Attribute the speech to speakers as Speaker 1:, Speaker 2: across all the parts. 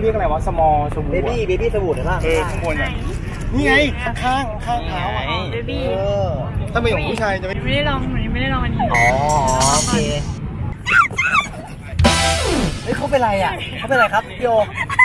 Speaker 1: รียกอะไรวะสมอสบู่
Speaker 2: เบบี้สบู่เห็นป่ะ
Speaker 1: ข้างบนอ่ะนี่ไงข้างเท้าอ่ะ
Speaker 3: เบบี้
Speaker 1: ถ้าเป็นของผู้ชายจะไม่
Speaker 3: ไม่ได้ลองหนูยังไม่ได้ลองอันนี้
Speaker 2: อ๋อโอเคเฮ้ยเขาเป็นไรอ่ะเขาเป็นไรครับพี่โอ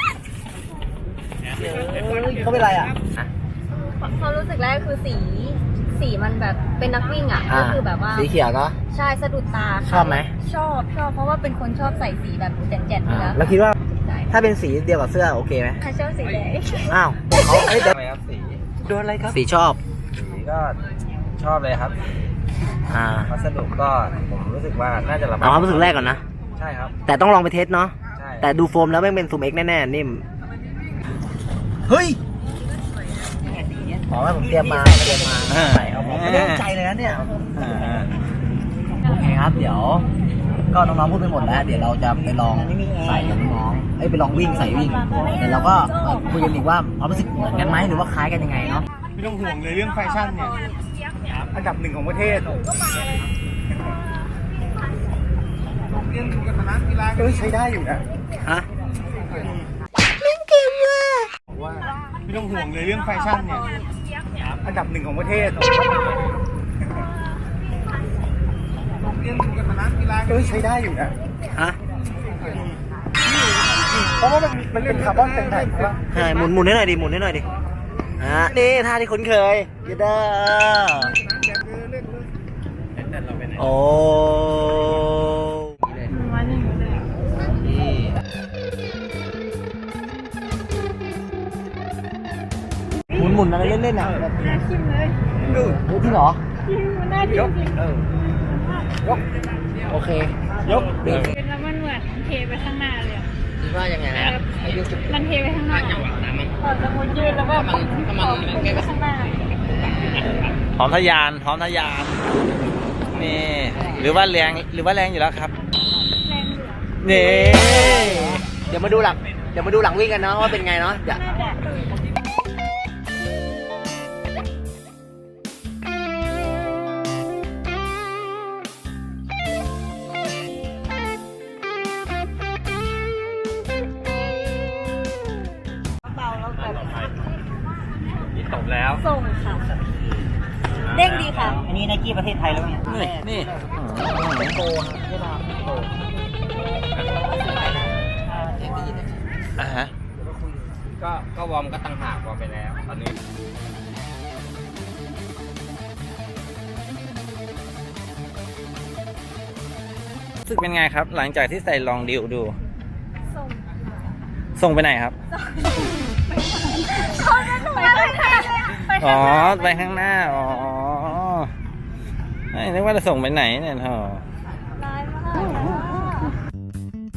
Speaker 2: เขาเป็นไรอ่ะ
Speaker 4: ความรู้สึกแรกคือสีมันแบบเป็นนักวิ่งอ่ะก็คือแบบว่า
Speaker 2: สีเขียวเนาะ
Speaker 4: ใช่สะดุดตา
Speaker 2: ชอบไหม
Speaker 4: ชอบเพราะว่าเป็นคนชอบใส่สีแบบแจ่นๆอยู่แล้ว
Speaker 2: แล้วคิดว่า
Speaker 4: ใช่
Speaker 2: ถ้าเป็นสีเดียวกับเสื้อโอเคไหม
Speaker 4: ใครชอบสีแดง
Speaker 2: อ้าวเขาเอ้ยเดี๋ยว
Speaker 5: ทำไมครับสี
Speaker 2: โดนอะไรครับสีชอบ
Speaker 5: สีก็ชอบเลยครับ วัสดุก็ผมรู้สึกว่าน่าจะระบาย
Speaker 2: เอาความรู้สึกแรกก่อนนะ
Speaker 5: ใช่ครับ
Speaker 2: แต่ต้องลองไปเทสเนาะ
Speaker 5: ใช่
Speaker 2: แต่ดูโฟมแล้วแม่งเป็นซูมเอ็กแน่ๆนิ่มเฮ้ยอ๋อผมเตรียมมาใส่เอาผมไม่ได้ตั้งใจเลยนะเนี่ยโอเคครับเดี๋ยว ก็น้องๆพูดไปหมดแล้ว เดี๋ยวเราจะไปลองใส่กับน้องๆไปลองวิ่งใส่วิ่งเดี๋ยวเราก็คุยกันอีกว่าความรู้สึกเหมือนกันไหมหรือว่าคล้ายกันยังไงเนาะ
Speaker 1: ไม่ต้องห่วงเลยเรื่องแฟชั่นเนี่ยอันดับ1ของประเทศใช้ได้อยู่นะ
Speaker 2: ฮะ
Speaker 1: ว่าไม่ต้องห่วงเลยเรื่องแฟชั่นเนี่ยอันดับ1ของประเทศใช้ได้อยู่นะ
Speaker 2: ฮะ
Speaker 1: เพราะว่ามันเป็นคาร์บอนเป็นแผ่นใช่ปะ
Speaker 2: ใช่หมุนให้หน่อยดิหมุนให้หน่อยดินี่ท่าที่คุ้นเคยยูเดอโอ้
Speaker 3: มาหนึ่งเลย
Speaker 2: หมุนอะไรเล่นๆอ่ะ
Speaker 3: น่าชิมเลย
Speaker 2: จริงเหรอ
Speaker 3: มันน่าชิมจริง
Speaker 2: โอเค
Speaker 1: ยก
Speaker 2: เบรก
Speaker 3: แล้วมันเหมือนเทไปข้างหน้าเลยอะ
Speaker 2: คิดว่ายังไงนะ
Speaker 3: มันเทไปข้างหน้าพอสมมติยืนแล้วแบบมันเทไปข้างหน้า
Speaker 5: พร้อมทะยานนี่หรือว่าแรงอยู่แล้วครับ
Speaker 3: แรงเหลือ
Speaker 5: นี่
Speaker 2: เดี๋ยวมาดูหลังวิ่งกันเนาะว่าเป็นไงเนาะ
Speaker 3: น่าจะ
Speaker 5: จบแล้ว
Speaker 4: ส่งค่ะ เด้งดีค่ะ
Speaker 2: อันนี้ไนกี้ประเทศไทยแล้วไง
Speaker 5: นี่
Speaker 2: เป็นโกใช่ป่ะโก
Speaker 5: อ่ะฮะก็วอร์มก็ตั้งหากวอร์มไปแล้วตอนนี้รู้สึกเป็นไงครับ หลังจากที่ใส่ลองดิวดู ส่งไปไหนครับ อ๋อ ไปข้างหน้า อ๋อนึกว่าจะส่งไปไหนเนี่ยท่อ
Speaker 4: ร้ายมาก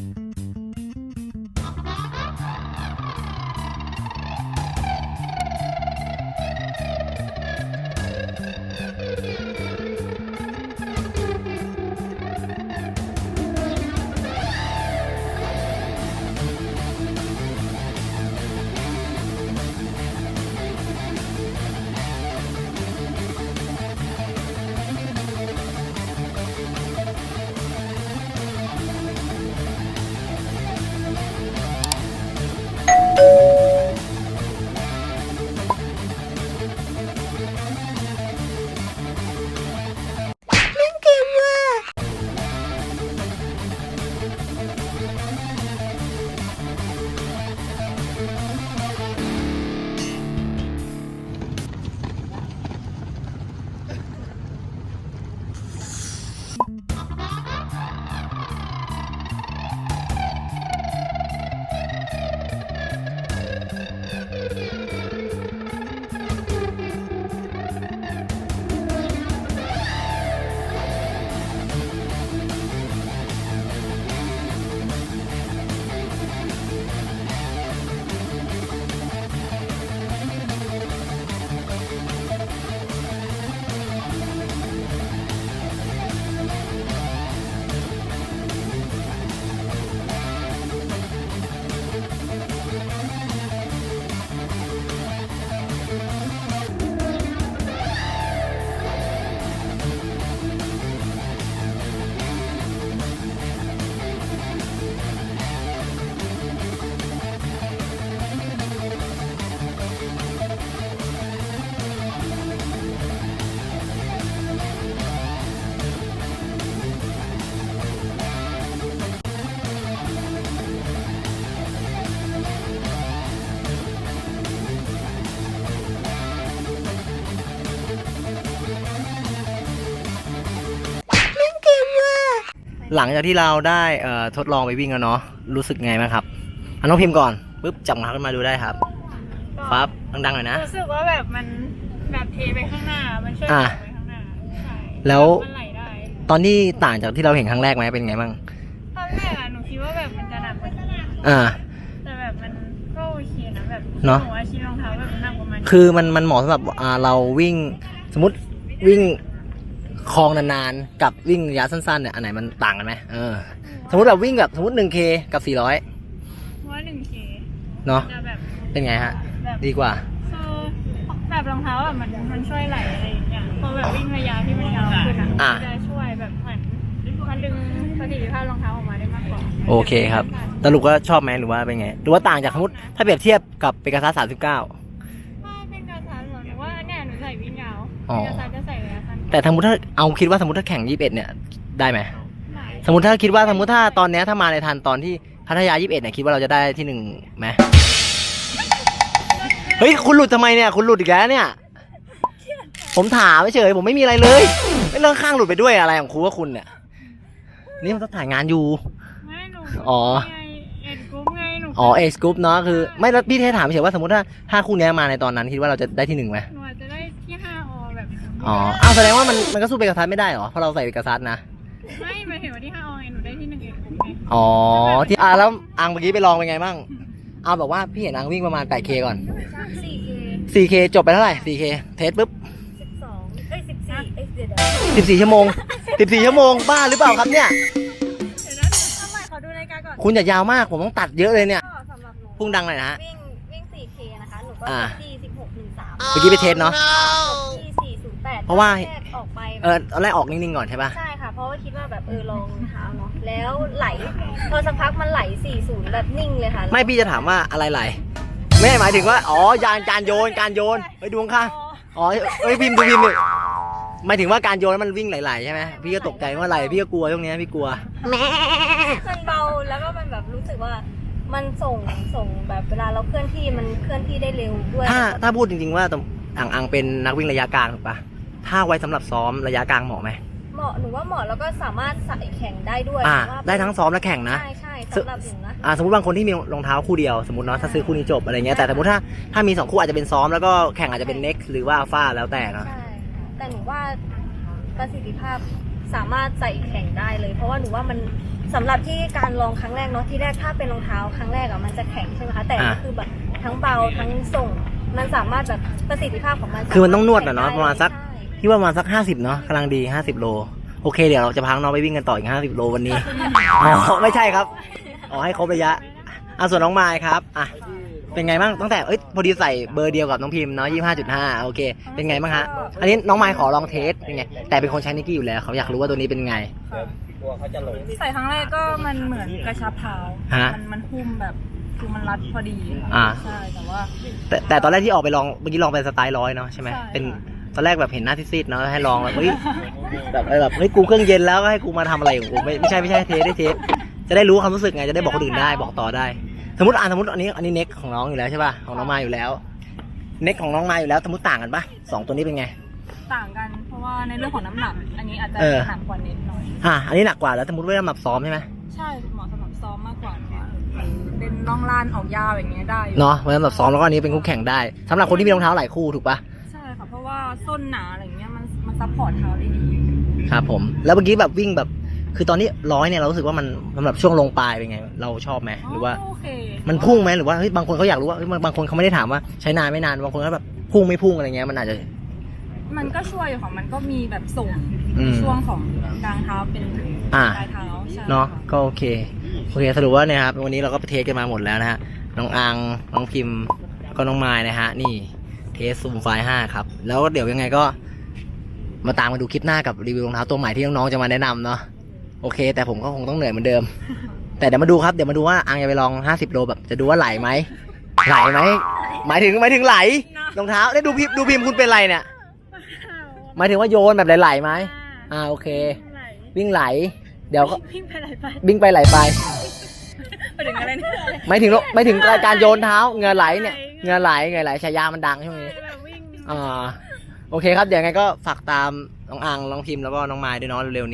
Speaker 2: หลังจากที่เราได้ทดลองไปวิ่งแล้วเนาะรู้สึกไงบ้างครับน้องพิมพ์ก่อนปุ๊บจับรองเท้าขึ้นมาดูได้ครับปั๊บดังๆหน่อยนะ
Speaker 3: รู้สึกว่าแบบมันแบบเทไปข้างหน้ามันช่วย
Speaker 2: อ่า
Speaker 3: ไปข้างหน้าใช่
Speaker 2: แล้ว
Speaker 3: มันไหลได้
Speaker 2: ตอนที่ต่างจากที่เราเห็นครั้งแรกไหมเป็นไงบ้าง
Speaker 3: ตอนแรกหนูคิดว่าแบบมันจะหนักกว่านี้
Speaker 2: อ่า
Speaker 3: แต่แบบมันก็โอเคนะแบบ
Speaker 2: เนอะ
Speaker 3: หนูว่าชิ้นรองเท้าแบบหนักประมาณนี้
Speaker 2: คือมันเหมาะสำหรับเราวิ่งสมมติวิ่งคลองนานๆกับวิ่งระยะสั้นๆเนี่ยอันไหนมันต่างกันไหมสมมติแบบวิ่งแบบสมมติ 1K กับ 400
Speaker 3: เพราะว่า 1K
Speaker 2: เนาะ
Speaker 3: จะแบบ
Speaker 2: เป็นไงฮะ
Speaker 3: แบบ
Speaker 2: ดีกว่า
Speaker 3: คือแบบรองเท้าแบบมันช่วยไหลอะไรอย่างเงี้ยพอแบบวิ่งระยะที่มันยาวขึ้นอ่ะมันจะช่วยแบบเหมือนมันดึงประสิทธิภาพรองเท้าออกมาได้มากกว่า
Speaker 2: โอเคครับสรุปว่าชอบไหมหรือว่าเป็นไงหรือว่าต่างจากสมมติถ้าเปรียบเทียบกับเปกาซัส39
Speaker 3: ถ้าเป็นกระสันหนูว่าเนี่ยหนูใส่วิ่งยาว
Speaker 2: อ๋อ
Speaker 3: กระสันจะใส่ระยะสั้น
Speaker 2: แต่สมมติถ้าเอาคิดว่าสมมติถ้าแข่ง21เนี่ยได้ไหม
Speaker 3: ไหล
Speaker 2: สมมติถ้าคิดว่าสมมติถ้าตอนเนี้ยถ้ามาในทันตอนที่พัทยา21เนี่ยคิดว่าเราจะได้ที่1ไหมเฮ้ยคุณหลุดทำไมเนี่ยคุณหลุดอีกแล้วเนี่ย ผมถามเฉยผมไม่มีอะไรเลยไม่เลิกข้างหลุดไปด้วยอะไรของครูว่าคุณเนี่ยนี่มันต้องถ่ายงานอยู่
Speaker 3: ไม่หนู
Speaker 2: อ๋อ
Speaker 3: ไงเอ็ดกรุ๊ปไงหนู
Speaker 2: อ๋อเอกสกู๊ปเนาะคือไม่แล้วพี่เทถามเฉยว่าสมมติถ้าคู่เนี้ยมาในตอนนั้นคิดว่าเราจะได้ที่1ไหม
Speaker 3: หนูอาจจะได้ที่5 อแบบ
Speaker 2: อ๋ออ้าวแสดงว่ามันก็สู้เปกาซัสไม่ได้เหรอเพราะเราใส่เปกาซัสนะ
Speaker 3: ไม่หมายถึงว่าที่5 อไงหนูได้ที่1เอ็ดกรุ๊ปไง
Speaker 2: อ๋อที่แล้วอังเมื่อกี้ไปลองเป็นไงบ้างเอาแบบว่าพี่เห็นอังวิ่งประมาณ 8K ก่อน
Speaker 4: 4K
Speaker 2: 4K จบไปเท่าไหร่ 4K เทสปุ๊บ
Speaker 4: 1214เดี๋ยว
Speaker 2: 14 ชั่วโมง 14 ชั่วโมงบ้าหรือเปล่าครับเนี่ย
Speaker 4: ทำไมขอดูนาฬิกาก่อน
Speaker 2: คุณอย่ายาวมากผมต้องตัดเยอะเลยเนี่ย
Speaker 4: ก็สำหรับหนู
Speaker 2: พุ่งดังหน่อยนะฮะ
Speaker 4: วิ่ง 4K นะคะ หนูก็
Speaker 2: อ่า
Speaker 4: ที่1613
Speaker 2: เมื่อกี้ไปเทสเนาะ
Speaker 4: ที่408
Speaker 2: เพราะว่า
Speaker 4: แรกออกไป
Speaker 2: ตอนแรกออกนิ่งๆก่อนใช่ป่ะ
Speaker 4: ใช่ค่ะ เพราะว่าคิดว่าแบบลองเท้าเนาะ แล้วไหล พอสักพักมันไหล 40 แบบนิ่งเลยค่ะ
Speaker 2: ไม่พี่จะถามว่าอะไรไหลไม่หมายถึงว่าอ๋อยานการโยนไปดูข้างๆอ๋อเอ้ยพิมพ์ดิหมายถึงว่าการโยนแล้วมันวิ่งไหลๆใช่ไหมพี่ก็ตกใจว่าไหลพี่ก็กลัวช่วงนี้พี่กลัว
Speaker 4: มันเบาแล้วก็มันแบบรู้สึกว่ามันส่งแบบเวลาเราเคลื่อนที่มันเคลื่อนที่ได้เร็วด้วย
Speaker 2: ถ้าพูดจริงๆว่าอังเป็นนักวิ่งระยะกลางถูกปะถ้าไว้สำหรับซ้อมระยะกลางเหมาะไหม
Speaker 4: เหมาะหนูว่าเหมาะแล้วก็สามารถใส่แข่งได้ด้วย
Speaker 2: อ่า
Speaker 4: ว่า
Speaker 2: ได้ทั้งซ้อมและแข่งนะ
Speaker 4: ใช่สำหรับหนูนะ
Speaker 2: สมมติบางคนที่มีรองเท้าคู่เดียวสมมติเนาะถ้าซื้อคู่นี้จบอะไรเงี้ยแต่สมมติถ้ามี2คู่อาจจะเป็นซ้อมแล้วก็แข่งอาจจะเป็น next หรือว่าฟ้าแล้วแต่เนาะ
Speaker 4: ใช่แต่หนูว่าประสิทธิภาพสามารถใส่แข่งได้เลย เพราะว่าหนูว่ามันสำหรับที่การลองครั้งแรกเนาะที่แรกถ้าเป็นรองเท้าครั้งแรกอะมันจะแข็งใช่ไหมคะแต่นี่คือแบบทั้งเบาทั้งส่งมันสามารถแบบประสิทธิภาพของมัน
Speaker 2: คือมันต้องนวดอะเนาะประมาณสัก
Speaker 4: ใช่
Speaker 2: พี่ว่าประมาณสัก50เนาะกำลังดี50โลโอเคเดี๋ยวเราจะพาน้องไปวิ่งกันต่ออีก50โลวันนี้ อ๋อไม่ใช่ครับอ๋อให้ครบระยะส่วนน้องไมค์ครับเป็นไงบ้างตั้งแต่พอดีใส่เบอร์เดียวกับน้องพิมพ์เนาะ25.5โอเคเป็นไงบ้างฮะอันนี้น้องไมค์ขอลองเทสเป็นไงแต่เป็นคนใช้นิกกี้อยู่แล้วเขาอยากรู้ว่าตัวนี้เป็นไง
Speaker 3: ใส่ครั้งแรกก็มันเหมือนกระชับเท้า
Speaker 2: ฮะ
Speaker 3: มันหุ้มแบบคือมันรัดพอดี ใช่แต่ว่า
Speaker 2: แต่ตอนแรกที่ออกไปลองเมื่อกี้ลองเป็นสไตล์100เนาะใช่ไหม
Speaker 3: ใช่
Speaker 2: เป็นตอนแรกแบบเห็นหน้าซีดๆเนาะให้ลองแบบเฮ้ยแบบเฮ้ยกูเครื่องเย็นแล้วก็ให้กูมาทำอะไรของกูไม่ใช่เทสจะได้รู้ความรู้สึกไงจะได้บอกคนอื่นได้บอกต่อได้ สมมติอันนี้เน็กของน้องอยู่แล้วใช่ป่ะของน้องมาอยู่แล้วเน็กของน้องมาอยู่แล้วสมมติต่างกันป่ะ2ตัวนี้เป็นไง
Speaker 3: ต่างกันเพราะว่าในเรื่องของน้ำหนัก อันนี้อาจจะหนักกว่านิดหน่อย
Speaker 2: อันนี้หนักกว่าแล้วสมมติว่าสำหรับซ้อมใช่ไหม
Speaker 3: ใช่เหมาะสำหรับซ้อมมากกว่าเป็นล่องล่านออกยาวอย่างเงี้ยได้อยู่
Speaker 2: เนาะไว้สำหรับซ้อมแล้วก็อันนี้เป็นคู่แข่งได้สำหรับคนที่มีรองเท้าหลายคู่ถูกป่ะ
Speaker 3: ใช่ค่ะเพราะว่าส้นหนาอะไรเงี้ยมันซัพพอร์ตเท้าได้ดี
Speaker 2: ครับผมแล้วเมื่อกี้แบบวิ่งแบบคือตอนนี้100เนี่ยเรารู้สึกว่ามันสำหรับช่วงลงปลายเป็นไงเราชอบไหมหรือว่า
Speaker 3: โอเค
Speaker 2: มันพุ่งไหมหรือว่าเฮ้ยบางคนเขาอยากรู้ว่าเฮ้ยบางคนเขาไม่ได้ถามว่าใช้นานไม่นานบางคนก็แบบพุ่งไม่พุ่งอะไรเงี้ยมันอาจจะ
Speaker 3: มันก็ช่วยอยู่ค่ะมันก็มีแบบส่ง
Speaker 2: อืม
Speaker 3: ช่วงของกลางเท้าเป็นปลายเท้าใช่
Speaker 2: เนาะก็โอเคสรุปว่าเนี่ยครับวันนี้เราก็ไปเทสกันมาหมดแล้วนะฮะน้องอังน้องพิมพ์ก็น้องไมล์นะฮะนี่เทสซูมไฟล์5ครับแล้วเดี๋ยวยังไงก็มาตามมาดูคลิปหน้ากับรีวิวรองเท้าตัวใหม่ที่น้องๆจะมาแนะนำเนาะโอเคแต่ผมก็คงต้องเหนื่อยเหมือนเดิม แต่เดี๋ยวมาดูครับเดี๋ยวมาดูว่าอังจะไปลอง50โลแบบจะดูว่าไหลไหมหมายถึงไหลรองเท้าได้ดูพิมพ์คุณเป็นไรเนี่ยหมายถึงว่าโยนแบบไหลๆไหมโอเควิ่งไหลเดี๋ยวก็
Speaker 3: วิ่งไปไหลไป
Speaker 2: วิ่งไปไหลไป
Speaker 3: ไปถึงอะไรเนี่ย
Speaker 2: หมายถึงการโยนเท้าเหงื่อไหลเนี่ยเหงื่อไหลฉายามันดังช่วงนี้
Speaker 3: แบบวิ่ง
Speaker 2: โอเคครับเดี๋ยวไงก็ฝากตามน้องอังน้องพิมพ์แล้วก็น้องไมล์ด้วยเนาะเร็วๆนี้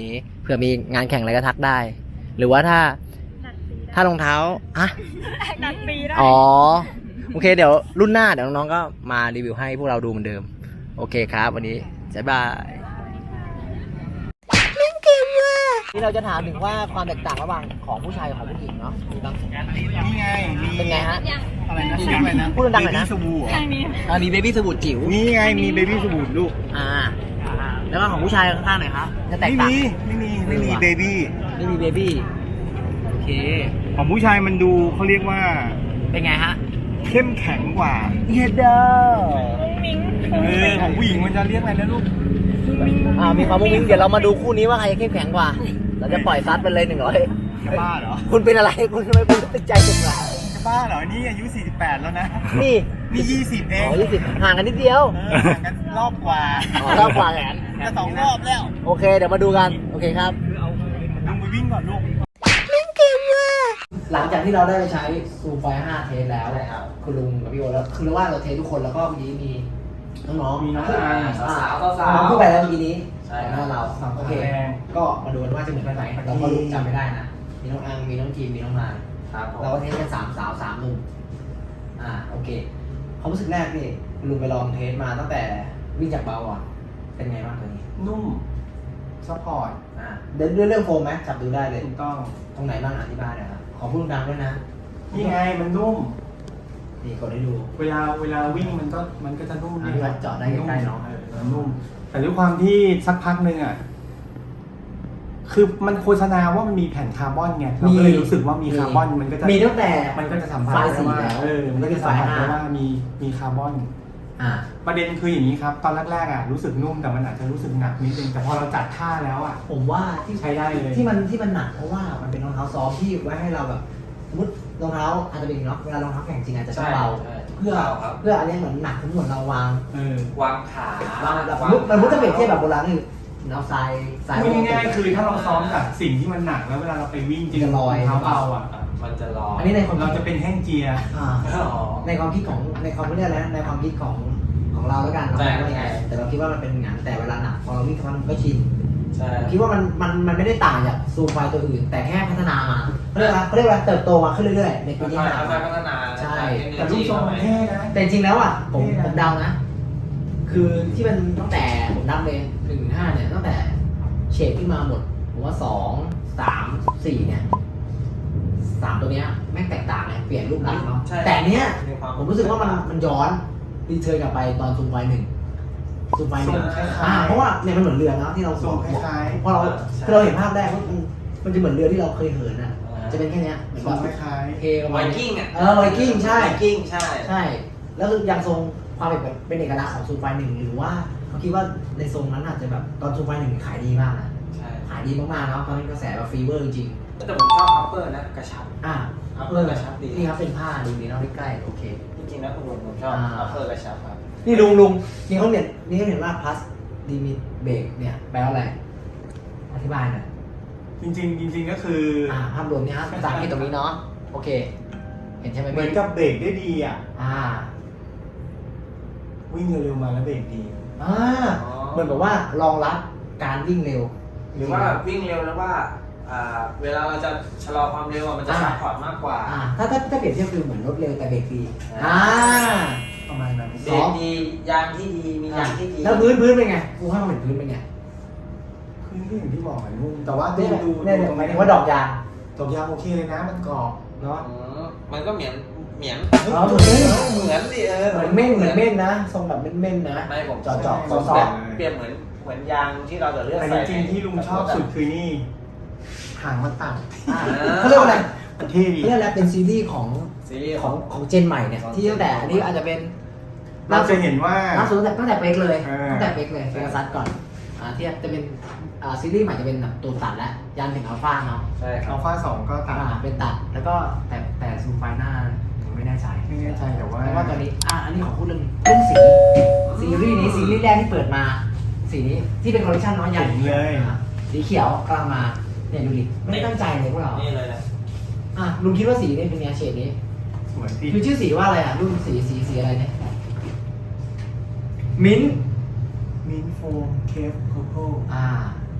Speaker 2: เผื่อมีงานแข่งอะไรก็ทักได้ หรือว่าถ้ารองเท้าอะ
Speaker 3: ดัดปีได้
Speaker 2: อ๋อโอเคเดี๋ยวรุ่นหน้าเดี๋ยวน้องๆก็มารีวิวให้พวกเราดูเหมือนเดิมโอเคครับวันนี้บ๊ายบายนี่เราจะถามถึงว่าความแตกต่างระหว่างของผู้ชายกับของผู้หญิงเนาะมีบ้าง
Speaker 1: นี่ไงมี
Speaker 2: เป็นไงฮะ
Speaker 1: อะไรนะชื่ออะไรนะ
Speaker 2: พูดดังๆหน่อยนะ
Speaker 1: เบบี้สบู่เหรอ
Speaker 3: ทางนี้
Speaker 2: มีเบบี้สบู่จิ๋ว
Speaker 1: นี่ไงมีเบบี้สบู่ลูก
Speaker 2: แล้วก็ของผู้ชายข้างๆหน่อยครับจะแตก
Speaker 1: ไม่
Speaker 2: ต่าง
Speaker 1: มีไม่มีเบบี้
Speaker 2: ไม่มีเบบี้โอเค
Speaker 1: ของผู้ชายมันดูเขาเรียกว่า
Speaker 2: เป็นไงฮะ
Speaker 1: เข้มแข็งกว่า
Speaker 2: เยเดอ
Speaker 3: มุ้งมิ้ง
Speaker 1: ของผู้หญิงมันจะเรียกอะไรนะลูก
Speaker 2: มีความมุ้งมิ้งเดี๋ยวเรามาดูคู่นี้ว่าใครจะเข้มแข็งกว่า เราจะปล่อยซัดไปเลย100
Speaker 1: จะบ้าเหรอ
Speaker 2: คุณเป็นอะไรคุณทำไมคุณติดใจสุดละ
Speaker 1: จะบ้าเหรอนี่อายุ48แล้วนะ
Speaker 2: นี่
Speaker 1: นี่20เอง
Speaker 2: 20ห่างกันนิดเดียว
Speaker 1: ห่างกันรอบกว่า
Speaker 2: รอบกว่าแหน
Speaker 1: จะ2 รอบแล้ว
Speaker 2: โอเคเดี๋ยวมาดูกันโอเคครับ
Speaker 1: ลุงไปวิ่งก่อนลูก
Speaker 2: หลังจากที่เราได้ใช้ซูมไฟ5เทสแล้วคุณลุงกับพี่โอแล้วคือว่าเราเทสทุกคนแล้วก็เมื่อกี้มีน้องๆ
Speaker 1: มีน้อง
Speaker 2: สาวน้องพูดไปแล้วเมื่อกี้นี้ใช่แล้วเราโอเคก็มาดูกันว่าจะเหมือนกันไหมเราก็รู้จำไม่ได้นะมีน้องอังมีน้องจีมมีน้องมายเราก็เทสกัน3 สาว 3 หนุ่มโอเคความรู้สึกแรกนี่คุณลุงไปลองเทสมาตั้งแต่วิ่งจากเบาอ่ะเป็นไงบ้างตัวนี้
Speaker 1: นุ่มซัพพอร์ต
Speaker 2: เดินเรื่องโฟมไหมจับดูได้เลย
Speaker 1: ถูกต้อง
Speaker 2: ตรงไหนบ้างอธิบายหน่อยครับขอพูดดังๆด้วยนะ
Speaker 1: นี่ไงมันนุ่ม
Speaker 2: นี่กดให้ดู
Speaker 1: เวลาวิ่งมันก็จะนุ่ม
Speaker 2: พี่วัดเจาะได้ใกล้ๆเนาะ
Speaker 1: มันนุ่ม แต่ด้วยความที่สักพักหนึ่งอ่ะคือมันโฆษณาว่ามันมีแผ่นคาร์บอนไงเราก็เลยรู้สึกว่ามีคาร์บอนมันก็จะ
Speaker 2: มีตั้งแต่
Speaker 1: มันก็จะสัมผัส
Speaker 2: ไฟล์
Speaker 1: ได้
Speaker 2: สี
Speaker 1: ว่า
Speaker 2: แล้ว
Speaker 1: มันก็จะสัมผัสได้ว่ามีคาร์บอน ประเด็นคืออย่างนี้ครับ ตอนแรกๆอ่ะรู้สึกนุ่มแต่มันอาจจะรู้สึกหนักนิดนึงแต่พอเราจัดท่าแล้วอ่ะ
Speaker 2: ผมว่าที่
Speaker 1: ใช้ได้เลย
Speaker 2: ที่มันหนักเพราะว่ามันเป็นรองเท้าซอฟต์ที่ไว้ให้เราแบบสมมติรองเท้าอาจจะเป็นเนาะเวลารองเท้าแข่งจริงอาจจะต้องเบาเพื่ออันนี้เหมือนหนักทั้งหมดเราวาง
Speaker 5: วางขาว
Speaker 2: างแบบมันมุดจะเปรียบเทียบแบบโบราณคือเอาทราย
Speaker 1: พูดง่ายๆคือถ้าเราซ้อมกับสิ่งที่มันหนักแล้วเวลาเราไปวิ่งจริง
Speaker 2: จะลอย
Speaker 1: เท้าเบาอ่ะ
Speaker 5: มันจะรอ
Speaker 2: อันนี้ในความ
Speaker 1: เราจะเป็นแห้งเจีย
Speaker 2: ในความคิดของในความเรียกอะไรนะในความคิดของเราแล้วกันเราไม่ว่ายังไงแต่เราคิดว่ามันเป็นงานแต่เวลาหนักพอเราวิ่งกับมันก็ชิน
Speaker 5: ใช่
Speaker 2: คิดว่ามันไม่ได้ต่างจากซูมไฟตัวอื่น แต่แค่พัฒนามาเขาเรียกว่าเติบโตมาขึ้นเรื่อยๆในปีที่ผ่าน
Speaker 5: ค่อยๆพัฒนา
Speaker 2: ใช่
Speaker 1: แต่รูปทรงมันเท่นะ
Speaker 2: แต่จริงแล้วอ่ะผมเดานะ คือที่มันตั้งแต่ผมนับเลย1-5เนี่ยตั้งแต่เฉดขึ้นมาหมดผมว่า2 3 4เนี่ย3ตัวเนี้ยแม่งแตกต่างเลยเปลี่ยนรูปลักษณ์เนาะแต่เนี้ยผมรู้สึกว่ามันย้อนรีเทิร์นกลับไปตอนซูมไฟ1ซูมไฟ1เพราะว่าเนี่ยมันเหมือนเรือเนาะที่เรา
Speaker 1: ทรงคล้ายๆ
Speaker 2: พอเราคือเราเห็นภาพแรกมันจะเหมือนเรือที่เราเคยเหินอ่ะจะเป็นแค่เนี้ยเหมือน
Speaker 1: ทรง
Speaker 2: ว่า
Speaker 1: คล้าย
Speaker 2: เทประ
Speaker 5: ไว
Speaker 2: มาณ
Speaker 5: กิ้งอ่ะ
Speaker 2: ไวกิ้งใช่
Speaker 5: ไวกิ้งใช่
Speaker 2: ใช่ แล้วคือยังทรงความเป็นเอกลักษณ์ของซูมไฟ1หรือว่าเขาคิดว่าในทรงนั้นอาจจะแบบตอนซูมไฟ1ขายดีมากนะ
Speaker 5: ใช่
Speaker 2: ขายดีมากๆเนาะตอนนั้นกระแสแบบฟีเวอร์จริง
Speaker 5: แต่ผมชอบอัปเปอร์นะกระชับ
Speaker 2: อัพเปอร์
Speaker 5: กระชับดี
Speaker 2: นี่ครับเป็นผ้าดูดีเนาะใกล้ๆโอเค
Speaker 5: จริงๆแล้วผมชอบอัปเปอร์กระชับครับ
Speaker 2: นี่ลุงนี่เขาเห็นว่า plus limit break เนี่ยแปลว่าอะไรอธิบายหน่อย
Speaker 1: ๆจริงๆก็คือ
Speaker 2: ภาพรวมเนี่ยครับภาษาอังกฤษตรงนี้เนาะโอเค เห็นใช่ไหม
Speaker 1: เหมือนกับเบรกได้ดีอ่ะ วิ่งเร็วๆมาแล้วเบรกดี
Speaker 2: เหมือนแบบว่ารองรับการวิ่งเร็ว
Speaker 5: หรือว่าวิ่งเร็วแล้วว่าเวลาเราจะชะลอความเร็วมันจะซัพพอร์ตมากกว่า
Speaker 2: ถ้าเปรียบเทียบคือเหมือนรถเร็วแต่เบรกดี
Speaker 1: ประมาณนั้น
Speaker 5: เบรกดียางที่ดีมียางที่ดี
Speaker 2: แล้วพื้นเป็นไงกูให้มันเป็นพื้นเป็นไง
Speaker 1: พื้นก็อย่างที่บอกอะนุ่มแต่ว่า
Speaker 2: เนี่ย
Speaker 1: ดู
Speaker 2: เนี่ยหมายถึงว่าดอกยาง
Speaker 1: ดอกยางโอเคเลยนะมันกรอบเนาะ
Speaker 5: มันก็เหมือน
Speaker 2: เหมือนดิ
Speaker 5: เหมือน
Speaker 2: เหมือนเม่นนะทรงแบบเม่นนะ
Speaker 5: ไม่ผม
Speaker 2: จอด
Speaker 5: ซอฟเปรียบเหมือนยางที่เราจะเลือก
Speaker 1: แต่
Speaker 5: ใส่
Speaker 1: จริงๆที่ลุงชอบสุดคือนี่หางมันต่ำ
Speaker 2: เขาเรียกว่าอะไร
Speaker 1: มันเท่ดี
Speaker 2: เขาเรียกอะไรเป็นซีรีส์ของ
Speaker 5: ซีรีส์
Speaker 2: ของเจนใหม่เนี่ยที่ตั้งแต่อันนี้อาจจะเป็น
Speaker 1: เราจะเห็นว่า
Speaker 2: ล่าสุดตั้งแต่เป๊กเลย
Speaker 1: เออ
Speaker 2: ตั้งแต่เป๊กเลยเฟกัสซัสก่อนที่จะเป็นซีรีส์ใหม่จะเป็นแบบตัวตัดแล้วยันถึงอัลฟาเนาะ
Speaker 5: ใช่ครั
Speaker 1: อั
Speaker 5: บ
Speaker 1: ลฟา2ก็ตัด
Speaker 2: เป็นตัดแล้วก็แต่ซูมไฟหน้าผมไม่แน่ใจ
Speaker 1: ไม่แน่ใจแต่ว่า
Speaker 2: เพราะว่าตอนนี้อันนี้ขอพูดเรื่องสีซีรีส์นี้ซีรีส์แรกที่เปิดมาสีนี้ที่เป็นคอลเลคชันน้อยใหญ่
Speaker 1: เจ๋งเลย
Speaker 2: สีเขียวกำลังมาเนี่ยดูดิไม่ได้ตั้งใจเลยพวกเรา
Speaker 5: นี่เลยนะ
Speaker 2: ลุงคิดว่าสีนี้เป็นไงเฉดนี้
Speaker 1: สวยดี
Speaker 2: คือชื่อสีว่าอะไรรุ่นสีอะไรเนี่ยมิ้น
Speaker 1: มินโฟมเคฟโคโค่
Speaker 2: ม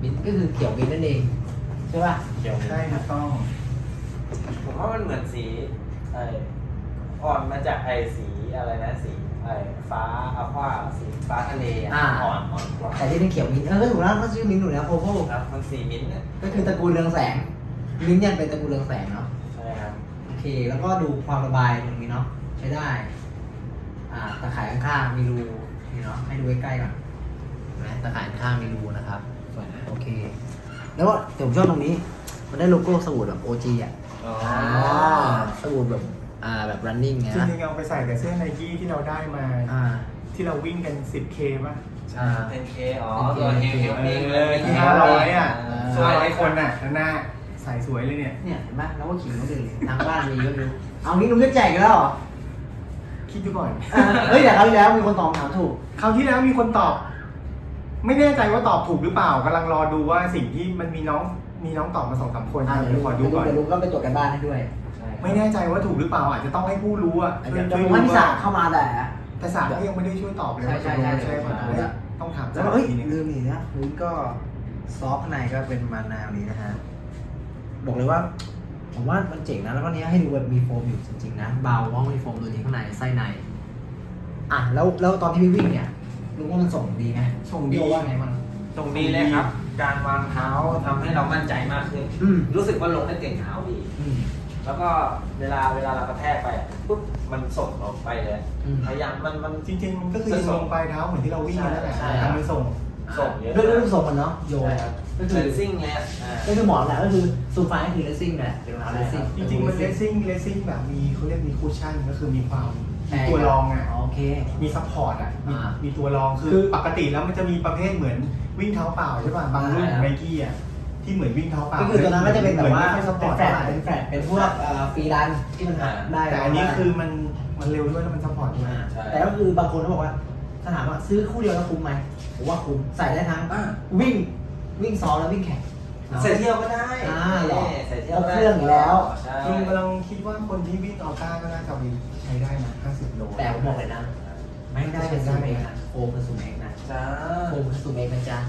Speaker 2: มิ้นท์ก็คือเขียวมิ้นท์นั่นเองใช่ป่ะ
Speaker 5: เขียว
Speaker 1: ใช่ถูกต้อง
Speaker 5: ผมว่ามันเหมือนสีอ่อนมาจากสีอะไรนะสีฟ้าอัลฟาสีฟ้าทะเลอ่อนกว่า
Speaker 2: แต่ที่เป็นเขียวมิ้นท์ก็ถูกแล้วก็ชื่อมิ้นท์ถูกแล้วโพโพ
Speaker 5: ครับมันสีมิ้นท์
Speaker 2: ก็คือตระกูลเรืองแสงมิ้นท์ยังเป็นตระกูลเรืองแสงเนาะ
Speaker 5: ใช่ครับ
Speaker 2: โอเคแล้วก็ดูความระบายตรงนี้เนาะใช้ได้ตะข่ายข้างๆมีรูนี่เนาะให้ดูใกล้ๆก่อนเห็นไหมตะข่ายข้างๆมีรูนะครับโอเค แล้วก็ผมชอบตรงนี้มันได้โลโก้สวูดแบบ OG อ่ะสวูดแบบแบบ running ไง
Speaker 1: จ
Speaker 2: นะ
Speaker 1: ริงๆเอาไปใส่กับเสื้อไนกี้ที่เราได้มา ที่เราวิ่งกัน 10K ป่ะ
Speaker 5: 10K ตัวเฮลมิ่ง
Speaker 1: ที่500อ่ะ500คนอ่ะหน้าใส่สวยเลยเนี่ย
Speaker 2: เนี่ยเห็นไหมแล้วก็ขิงเขาเลยทางบ้านมีเยอะดูเอางี้ลุงจะแจกกันแล้วเหรอ
Speaker 1: คิดดูก่อน
Speaker 2: เฮ้ยแต่คราวที่แล้วมีคนตอบถามถูก
Speaker 1: คราวที่แล้วมีคนตอบ ไม่แน่ใจว่าตอบถูกหรือเปล่ากำลังรอดูว่าสิ่งที่มันมีน้องตอบมา2-3 คนครับ
Speaker 2: เดี๋
Speaker 1: เดี๋
Speaker 2: ย
Speaker 1: ยว วขอดูก่อน
Speaker 2: เดี๋ยวลุงก็ไปตรวจกันบ้านให้ด้วย
Speaker 1: ไม่แน่ใจว่าถูกหรือเปล่าอาจจะต้องให้ผู้รู้อ่ะ
Speaker 2: เดี๋ยวผมว่านิสาเข้ามาแต่
Speaker 1: แต่สามก็ยังไม่ได้ช่วยตอบเลยว่า
Speaker 2: ใช่
Speaker 1: ใช่ป่ะต้องถาม
Speaker 2: แล้วก็เอ้ย
Speaker 1: ทีนึง
Speaker 2: ลืมนี่นะพื้นก็ซอฟต์ข้างในก็เป็นมาแนวนี้นะฮะบอกเลยว่าผมว่ามันเจ๋งนะแล้วก็เนี้ยให้ดูแบบมีโฟมอยู่จริงๆนะเบาว่ามีโฟมตัวนี้ข้างในไส้ในแล้วตอนที่พี่วิ่งเนี่ยลุงว่ามันส่งดีไหม
Speaker 1: ส่งดี
Speaker 2: พี่ว่าไงมัน
Speaker 5: ตรงนี้เลยครับ การวางเท้าทำให้เรามั่นใจมากขึ้น รู้สึกว่าลงได้เต็มเท้าดี แล้วก็เวลาเรากระแทกไปปุ๊บมันส่งออกไปเลยพยายามมัน
Speaker 1: จริงๆมันก็คือยิงลงปลายเท้าเหมือนที่เราวิ่งกันนั่นแหละ
Speaker 5: ใช่
Speaker 1: แต่มันส่ง
Speaker 5: ส่งเยอะ
Speaker 2: ด้วยรูปทรงมันเนาะโยน
Speaker 5: ใช่ครับ
Speaker 2: ก็
Speaker 5: ก็
Speaker 2: คื
Speaker 5: คือ อซิ่งเลย
Speaker 2: ก็คือหมอนแหละก็คือซูไฟก็คือเลสซิ่งแหละเป็นรองเท้าเลสซิ่ง
Speaker 1: จริงๆมันเลสซิ่งแบบมีเขาเรียกมีคูชั่นก็คือมีความมีตัวรองอ่ะ
Speaker 2: โอเค
Speaker 1: มีซัพพอร์ตอ่ะมี
Speaker 2: อ่ามี
Speaker 1: ตัวรองคือปกติแล้วมันจะมีประเภทเหมือนวิ่งเท้าเปล่าใช่ป่ะบางรุ่นของไนกี้อ่ะที่เหมือนวิ่งเท้าเปล่า
Speaker 2: ก็คือตัวนั้นก็จะเป็นแบบว่า
Speaker 1: ไม่ค่อยซัพพอ
Speaker 2: เป็น
Speaker 1: ร์ต
Speaker 2: แฟลตเป็นพวกฟรีรันที่มันได้
Speaker 1: แต่อันนี้คือมันเร็วด้วยแล้วมันซัพพอร์ตด้วย
Speaker 2: แต่ก็คือบางคนเขาบอกว่าถ้าถามว่าซื้อคู่เดียวแล้วคุ้มไหมผมว่าคุ้มใส่ได้ทั้งวิ่งซ้อมแล้ววิ่งแข่ง
Speaker 5: ใส่เที่ยวก็ได้
Speaker 2: หรอ
Speaker 5: ใส่เที่ยว
Speaker 2: เอาเครื่องอยู่แล้ว
Speaker 5: ใช่
Speaker 1: จริงกำลังคิดว่าคนที่วิ่งออก้าก็น่าจะมีใช้ได้นะ50 โล
Speaker 2: แต่ผมบอกเลยนะ ไม่ได้เป็นซูมเองนะโฟมเป็นซูมเองนะ
Speaker 5: จ้า
Speaker 2: โฟมเป็นซูมเองนะจ๊ะ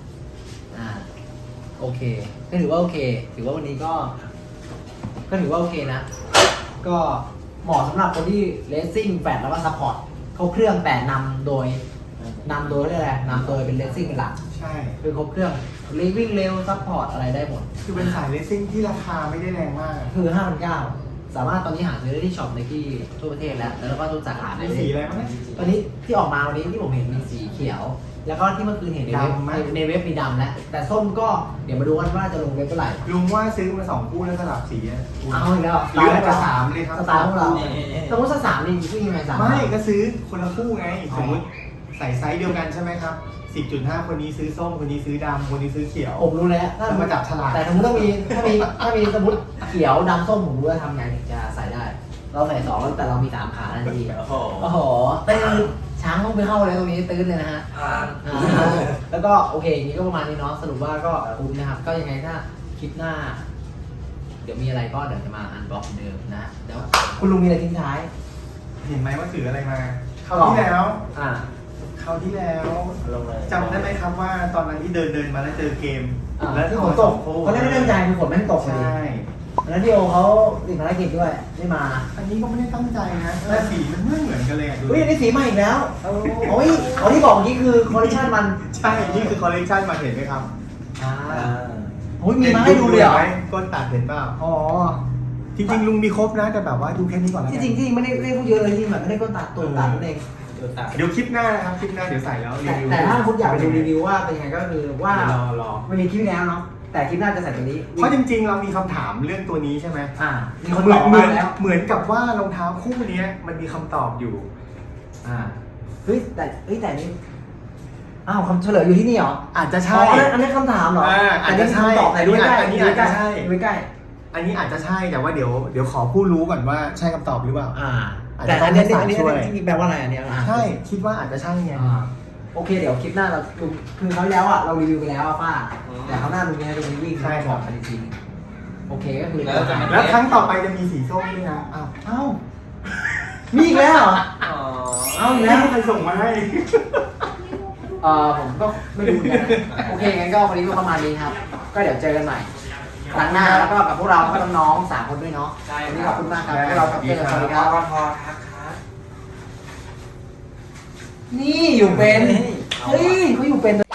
Speaker 2: โอเคก็ถือว่าโอเค ถือว่าวันนี้ก็ถือว่าโอเคนะ ก็เหมาะสำหรับคนที่เลสซิ่งแฟลตแล้วก็ซัพพอร์ตเขาเครื่องแต่นำโดยเรียกอะไรนำโดยเป็นเลสซิ่งเป็นหลัก
Speaker 1: ใช่
Speaker 2: คือครบเครื่องวิ่งเร็วซัพพอร์ตอะไรได้หมด
Speaker 1: คือเป็นสายเลสซิ่งที่ราคาไม่ได้แรงมาก
Speaker 2: คือ 5,900 สามารถตอนนี้หาซื้อได้ที่ช็อปไนกี้ทั่วประเทศแล้วก็ทุกสาขา
Speaker 1: มีสีอะไรบ้างเนี่ย
Speaker 2: ตอนนี้ที่ออกมาวันนี้ที่ผมเห็นมีสีเขียว แล้วก็ที่เมื่อคืนเห็นในเว็บ
Speaker 1: ดำไหม
Speaker 2: ในเว็บมีดำแล้วแต่ส้มก็เดี๋ยวมาดูกันว่าจะลงเว็บเมื่อไหร่
Speaker 1: ลุงว่าซื้อมา2 คู่แล้วสลับสีอะ
Speaker 2: เอาอีกแล้ว
Speaker 1: หรืออาจจะ3เลยครับ
Speaker 2: สไตล์พวกเราสมมติสักสามนี่วิ่งยังไงสาม
Speaker 1: ไม่ก็ซื้อคนละคู่ไง สมมติใส่ไซส์เดียวกันใช่ไหมครับ 10.5 คนนี้ซื้อส้มคนนี้ซื้อดำคนนี้ซื้อเขียว
Speaker 2: ผมรู้แล้ว
Speaker 1: แล้วมาจับฉลาก
Speaker 2: แต่สมมติถ้ามีสมมติเขียวดำส้มผมรู้ว่าทำไงถึงจะใส่ได้ เราใส่2แล้วแต่เรามี3ขาทันที
Speaker 5: โอ้โห
Speaker 2: โอ้โหตื้นช้างต้องไปเข้าเลยตรงนี้ตื้นเลยนะฮะ แล้วก็โอเคอย่างนี้ก็ประมาณนี้เนาะสรุปว่าก็คุ้มนะครับ ก็ยังไงถ้าคลิปหน้า เดี๋ยวมีอะไรก็เดี๋ยวจะมาอันบล็อกเดิมนะเดี๋ยวคุณลุงมีอะไรทิ้งท้าย
Speaker 1: เห็นไหมว่าถืออะไรมาคราวที่แล้วคราวที่แล้ว
Speaker 5: ลงเลย
Speaker 1: จำได้ไหมครับว่าตอนนั้นที่เดินมาแล้วเจอเกม
Speaker 2: แล้วที่ฝนตกเขาไม่ได้ตั้งใจคือฝนแม่งตกพอ
Speaker 1: ใช่
Speaker 2: ดีแล้วที่โอเขาติดภารกิจด้วยไม่มา
Speaker 1: อันนี้ก็ไม่ได้ตั้งใจนะแต่สีมันไม่เหมือนกันเลยอะดู
Speaker 2: อุ้ยอันนี้สีใหม่อีกแล้วโอ้ยที่บอกเมื่อกี้คือคอลเลคชันมัน
Speaker 1: ใช่นี่คือคอลเลกชันมาเห็นไหมครับ
Speaker 2: โอ้ยมีมาให้ดูเลยเหรอ
Speaker 1: ก้นตัดเห็นเปล่า
Speaker 2: อ๋อ
Speaker 1: จริงๆลุงมีครบนะแต่แบบว่าดูแค่นี้ก่อนแล้ว
Speaker 2: ที่
Speaker 1: กัน
Speaker 2: จริงไม่ได้พูดเยอะเลยที่แบบไม่ได้ก้นตัดตัวตัดนั่นเอง
Speaker 1: เดี๋ยวคลิปหน้านะครับคลิปหน้าเดี๋ยวใส่แล้วรีวิว
Speaker 2: แต่ถ้าคุณอยากไปดูรีวิวว่าเป็นยังไงก็คือว่าร
Speaker 1: อ
Speaker 2: ไม่มีคลิปแล้วเนาะแต่คลิปหน้าจะใส่ตัวนี้
Speaker 1: เพราะจริงๆเรามีคำถามเรื่องตัวนี้ใช่ไหม
Speaker 2: มีคนตอบมาแล้ว
Speaker 1: เหมือนกับว่ารองเท้าคู่เนี้ยมันมีคำตอบอยู่
Speaker 2: เฮ้ยแต่นี้อ้าวคำเฉลยอยู่ที่นี่เหรอ
Speaker 1: อาจจะ
Speaker 2: อ๋
Speaker 1: ใช่
Speaker 2: ออันนี้คำถามเหรอ
Speaker 1: อาจจะใช่
Speaker 2: ตอบไหนด้วยใกล้
Speaker 1: อันนี้อาจจะใช่
Speaker 2: ด้วยใกล้
Speaker 1: อันนี้อาจจะใช่แต่ว่าเดี๋ยวขอผู้รู้ก่อนว่าใช่คำตอบหรือเปล่า อาจ
Speaker 2: แต่
Speaker 1: จะต้
Speaker 2: อั
Speaker 1: อน ง
Speaker 2: นี้
Speaker 1: ให้ศาลช่วย
Speaker 2: แปลว่าอะไรอันนี้
Speaker 1: ใช่คิดว่าอาจจะใช่ไง
Speaker 2: โอเคเดี๋ยวคลิปหน้าเราคือเขาวที่แล้วอ่ะเรารีวิวไปแล้วป้าแต่เขาวหน้าดูนี้ดูนี้วิ่ง
Speaker 1: ใช่ครับ
Speaker 2: จริงโอเคก็คือ
Speaker 1: แล้วครั้งต่อไปจะมีสีส้มด้วยนะอ้าว
Speaker 2: เอ้ามีอีกแล้วเหรอ
Speaker 5: อ๋อ
Speaker 2: เอาอีก
Speaker 1: แล้
Speaker 2: แล้ว ว
Speaker 1: ใครส่งมาให้
Speaker 2: ผมก็ไม่รู้เหมือนกันนะโอเคงั้นก็วันนี้ก็ประมาณนี้ครับ ก็เดี๋ยวเจอกันใหม่ครั้งหน้าแล้วก็กับพวกเราก็น้องๆ3 คนด้วยเนาะวันนี้ขอบคุณมากครับพวกเราครับเจอกันสวัสดีครับ
Speaker 5: พอครับ
Speaker 2: นี่อยู่เป็น เฮ้ยเขาอยู่เป็น